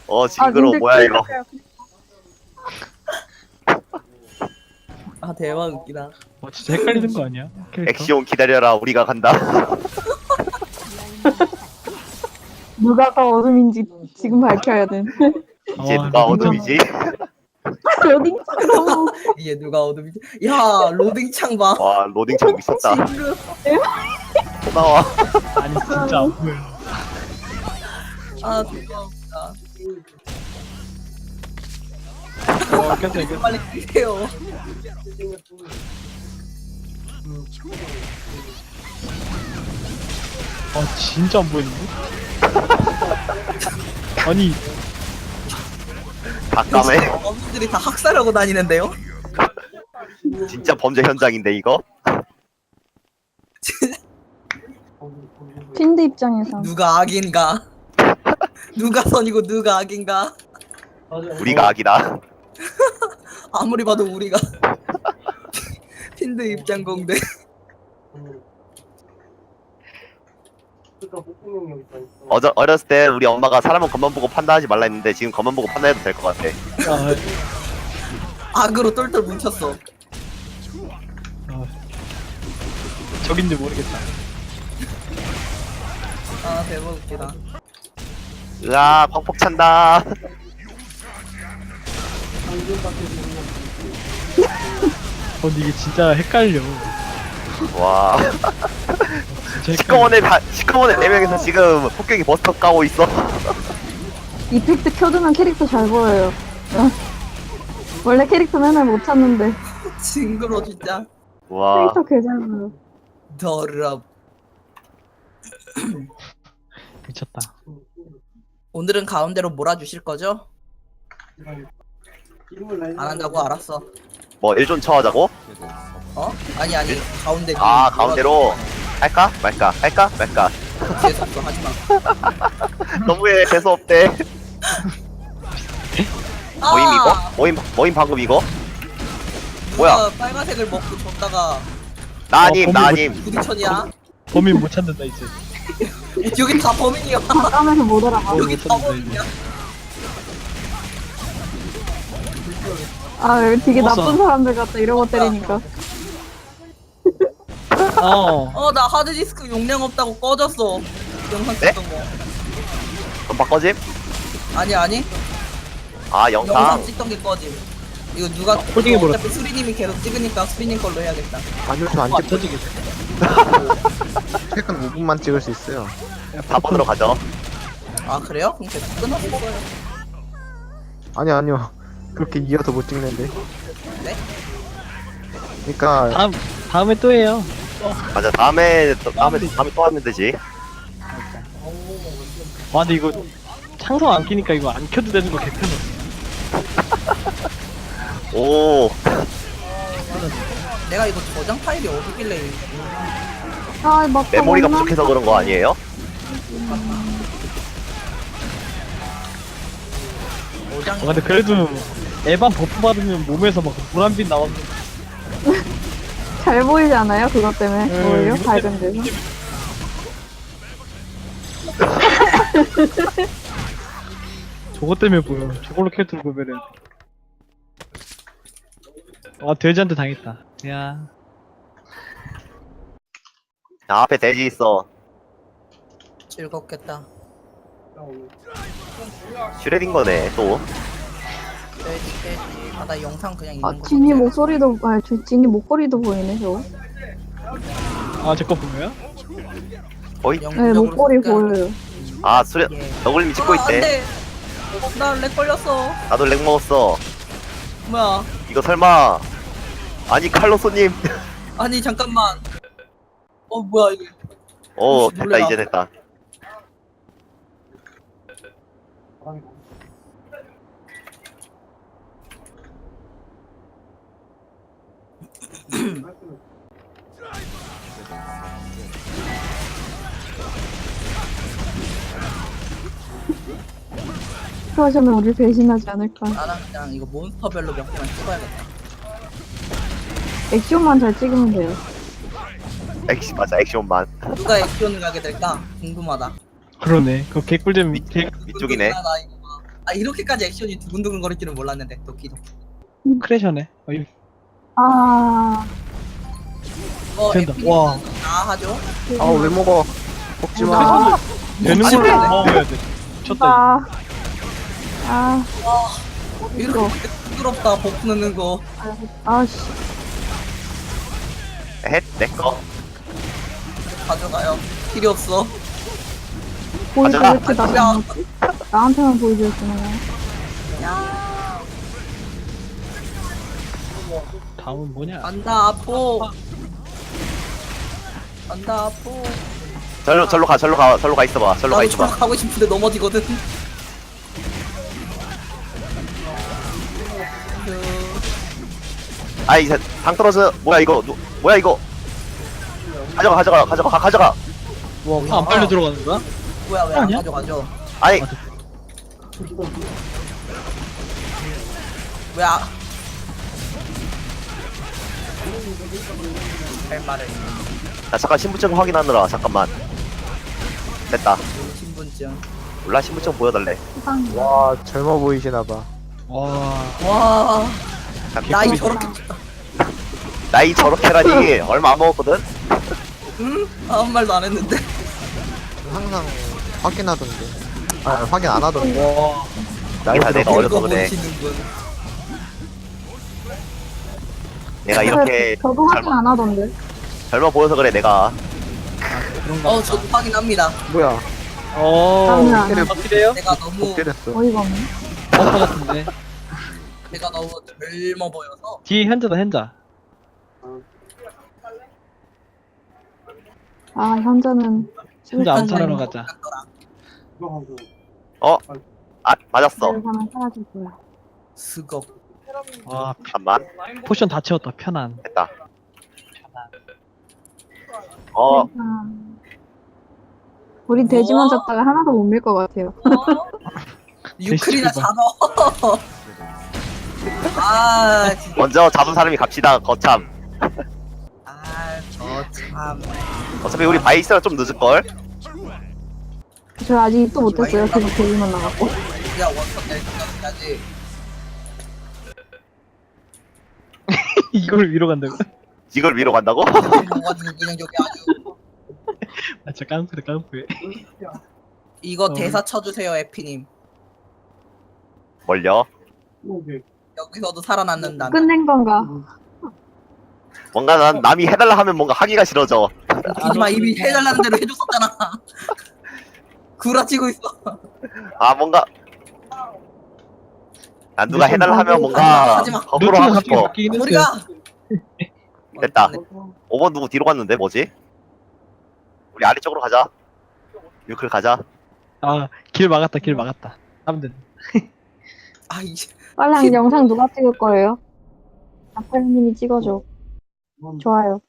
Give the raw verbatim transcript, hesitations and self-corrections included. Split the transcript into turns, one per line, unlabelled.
어
아,
징그러워.
님들
뭐야 이거.
캐릭터
아 대박 웃기다.
어 진짜 헷갈리는 거 아니야? 캐릭터?
액시온 기다려라. 우리가 간다.
누가 더 어둠인지 지금 밝혀야 돼.
이제
아,
누가
로딩
어둠이지?
로딩창 너무
이게 누가 어둠이지? 야 로딩창 봐.
와 로딩창 미쳤다.
징그러.
또 나와.
아니 진짜 안 보여.
아 대박 웃기다.
어 깼어 깼어.
빨리 끄세요.
아 진짜 안 보이는데? 아니
다 까매.
어민들이 다 학살하고 다니는데요?
진짜 범죄 현장인데 이거.
핀드 입장에서
누가 악인가? 누가 선이고 누가 악인가?
우리가 악이다.
아무리 봐도 우리가 핀드 입장 공대.
어저 어렸을 때 우리 엄마가 사람은 겉만 보고 판단하지 말라 했는데 지금 겉만 보고 판단해도 될 것 같아.
아,
악으로 똘똘 뭉쳤어.
아 적인지 모르겠다.
아 대박 웃기다.
으아 펑펑 찬다.
어 근데 이게 진짜 헷갈려.
와
진짜 헷갈려.
시커먼의 다 시커먼의 네 명이서 지금 폭격이 버스터 까고 있어.
이펙트 켜두면 캐릭터 잘 보여요. 어. 원래 캐릭터 맨날 못 찾는데
징그러 진짜.
와
캐릭터 개 잘 보여.
더럽.
미쳤다.
오늘은 가운데로 몰아주실 거죠? 안 한다고 알았어.
뭐 일존 처하자고?
어? 아니 아니 가운데.
아 가운데로 할까 말까 할까 말까.
재수 없어 하지마.
너무해 재수 없대.
아!
모임 이거? 모임 모임 방금 이거? 뭐야?
누가 빨간색을 먹고 줬다가
나님
어, 범인
나님.
부딪혔냐?
범인 못 찾는다 이제.
여기 다 범인이야.
까면서 못 알아봐.
여기 다 범인이야.
아 여기 되게
어서.
나쁜 사람들 같다 이러고 때리니까.
어.
어 나 하드디스크 용량 없다고 꺼졌어. 영상
네?
찍던 거.
그럼 바꿔짐?
아니 아니.
아
영상
영상.
찍던 게 꺼짐. 이거 누가
홀딩해
이거
버렸어.
어차피 수리님이 계속 찍으니까 수리님 걸로 해야겠다.
아니요, 저안
안
찍고
터지겠어.
최근 오 분만 찍을 수 있어요.
사 번으로 가죠.
아 그래요? 그럼 계속 끊었어요.
아니요, 아니요. 그렇게 이어서 못 찍는데.
네?
그러니까
다음 다음에 또 해요.
맞아 다음에 또 다음에 다음에 또 하면 되지.
와 근데 이거 창성 안 끼니까 이거 안 켜도 되는 거 개편해.
오
내가 이거 저장 파일이 어디길래
아 막상
메모리가
없나?
부족해서 그런 거 아니에요?
저장
아 근데 그래도 에반 버프 받으면 몸에서 막 노란빛 나오는데.
잘 보이지 않아요? 그것 때문에
음,
오히려
이것
밝은 데서.
저거 때문에 보여. 저걸로 캐릭터를 보면은. 와 돼지한테 당했다. 야.
나 앞에 돼지 있어.
즐겁겠다.
슈레딩거네 또.
돼지 돼지. 아나 영상 그냥 있는
아
거.
진이
볼게.
목소리도 아 저- 진이 목걸이도 보이네 저거.
아 제 거 보여요?
거의?
네
영상적으로
목걸이
볼게.
보여요.
아 수레
예.
너굴님이 찍고
아,
있대.
안돼. 나렉 걸렸어.
나도 렉 먹었어.
뭐야?
이거 설마 아니 칼로소님.
아니 잠깐만. 어 뭐야 이게?
오
혹시
됐다
놀래라.
이제 됐다.
그러시면 우리 배신하지 않을까.
나는 그냥 이거 몬스터별로 몇 개만 찍어야겠다.
액션만 잘 찍으면 돼요.
액션 맞아 액션만.
누가 액션을 가게 될까? 궁금하다.
그러네. 그 개꿀잼 개
위쪽이네.
나 이거 봐. 아 이렇게까지 액션이 두근두근 거릴 줄은 몰랐는데 도끼도끼.
크래셔네. 어이,
아,
어
된다.
에피님
와.
다 하죠.
아 왜 먹어? 먹지 마.
아,
되는
아니,
걸로
그래.
먹어야 돼. 미쳤다.
아, 아,
이렇게 부끄럽다 버프 넣는 거.
아씨.
헷 내꺼.
가져가요. 필요 없어.
보이즈 왜
가져가.
이렇게 나안 먹지? 나한테만 보이즈였구나.
다음은 뭐냐?
간다 아포. 간다 아포.
절로 절로 가 절로 가 절로 가 있어봐. 절로 가
나도
있어봐.
저로 가고 싶은데 넘어지거든. 그...
아이 당 떨어져. 뭐야 이거? 누, 뭐야 이거? 가져가 가져가 가져가 가- 가져가.
아, 안 빨려 들어가는 거야?
뭐야 왜 안
아니야?
가져가죠?
아이
왜 아... 할 말을
나 잠깐 신분증 확인하느라 잠깐만. 됐다.
신분증.
몰라 신분증 보여달래.
세상에.
와 젊어 보이시나 봐.
와,
와 나이
개꿀이다.
저렇게
나이 저렇게라니 얼마 안 먹었거든.
응? 아무 말도 안 했는데.
항상 확인하던데. 아 확인 안 하던데.
와,
나이 다 내가 어려서 그래.
보시는군.
내가 이렇게
저도 확인
젊어
안 하던데.
젊어 보여서 그래 내가.
그런가
어
보다.
저도 확인합니다.
뭐야?
어,
나는 안 해.
확실해요?
내가 너무
복제됐어.
어이가 없네.
버퍼 같은데.
내가 너무 젊어 보여서.
뒤에 현자다, 현자.
아, 현자는.
현자 암살하러 가자.
어? 아 맞았어.
를 하나 사라질 거야.
스걱.
와,
잠깐만.
포션 다 채웠다, 편안.
됐다. 어
아, 우리 돼지만
뭐?
잡다가 하나도 못 밀 것 같아요.
유클이나
대시티브.
잡아. 아 진짜.
먼저 잡은 사람이 갑시다. 거참.
아저 참.
어차피 우리 바이스랑 좀 늦을 걸.
저 아직 입도 못했어요. 계속 돼지만 나갔고.
우리가 원석 낼 생각까지.
이걸 위로 간다고?
이걸 위로 간다고?
먹어가지고 그냥 여기 아주.
아, 진짜 깡패다, 깡패.
이거
어.
대사 쳐주세요 에피님.
뭘요?
여기서도 살아남는다.
끝낸 건가?
뭔가 난 남이 해달라 하면 뭔가 하기가 싫어져.
하지마 이미 해달라는 대로 해줬었잖아. 구라치고 있어.
아 뭔가 난 누가
좀
해달라 하면
하지마,
뭔가
하지마.
거꾸로
루트가
하고
갑자기
싶어.
바뀌긴 했어요.
우리가
됐다. 오 번 누구 뒤로 갔는데 뭐지? 우리 아래쪽으로 가자. 유클 가자.
아, 길 막았다, 길 막았다. 하면 된다.
아 이제
빨리 영상 누가 찍을 거예요? 아빠님이 찍어줘. 좋아요.